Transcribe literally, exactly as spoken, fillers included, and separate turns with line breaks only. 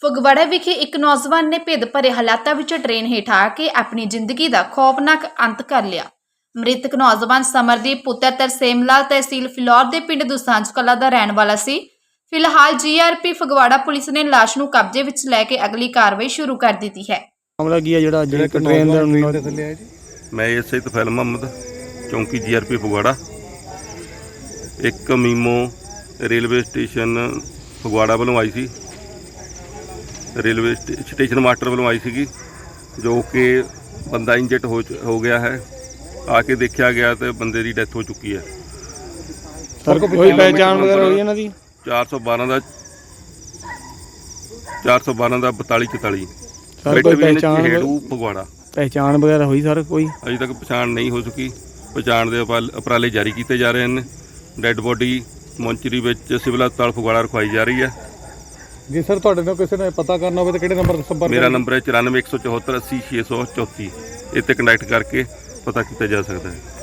ਫਗਵਾੜਾ ਵਿਖੇ ਇੱਕ ਨੌਜਵਾਨ ਨੇ ਭਿੱਦ ਭਰੇ ਹਾਲਾਤਾਂ ਵਿੱਚ ਟ੍ਰੇਨ ਹੇਠ ਆ ਕੇ ਆਪਣੀ ਜ਼ਿੰਦਗੀ ਦਾ ਖੌਫਨਾਕ ਅੰਤ ਕਰ ਲਿਆ। ਮ੍ਰਿਤਕ ਨੌਜਵਾਨ ਸਮਰਦੀਪ ਪੁੱਤਰ ਤਰਸੇਮ ਲਾਲ ਤਹਿਸੀਲ ਫਿਲੌਰ ਦੇ ਪਿੰਡ ਦੁਸਾਂਝ ਕਲਾਂ ਦਾ ਰਹਿਣ ਵਾਲਾ ਸੀ। ਫਿਲਹਾਲ ਜੀਆਰਪੀ ਫਗਵਾੜਾ ਪੁਲਿਸ ਨੇ ਲਾਸ਼ ਨੂੰ ਕਬਜ਼ੇ ਵਿੱਚ ਲੈ ਕੇ ਅਗਲੀ ਕਾਰਵਾਈ ਸ਼ੁਰੂ ਕਰ ਦਿੱਤੀ ਹੈ।
ਮਾਮਲਾ ਕੀ ਹੈ ਜਿਹੜਾ ਜਿਹੜਾ ਟ੍ਰੇਨ ਦੇ ਥੱਲੇ ਆਇਆ ਜੀ?
मैं एस आई तफैल मोहम्मद चौंकी जी आर पी फगवाड़ा एक मीमो रेलवे स्टेशन फगवाड़ा वालों आई सी रेलवे स्टेशन मास्टर वालों आई सी जो कि बंदा इंजर्ड हो हो गया है। आके देखा गया तो बंदे की डेथ हो चुकी है।
सर कोई पहचान वगैरह हुई है ना जी?
चार सौ बारह का चार सौ बारह का बताली चौताली फगवाड़ा
पहचान वगैरह हुई सर कोई?
अजे तक पछाण नहीं हो सकी। पछाण के उपराले जारी किए जा रहे हैं। डैड बॉडी मॉन्चरी सिविल हस्पताल फगवाड़ा रखवाई जा रही है।
जी सर तुहाडे नाल किसी ने पता करना हो तो किहड़े नंबर संपर्क?
मेरा नंबर है चौरानवे एक सौ चौहत्तर अस्सी छे सौ चौती। इस कंटैक्ट करके पता किया जा सकता है।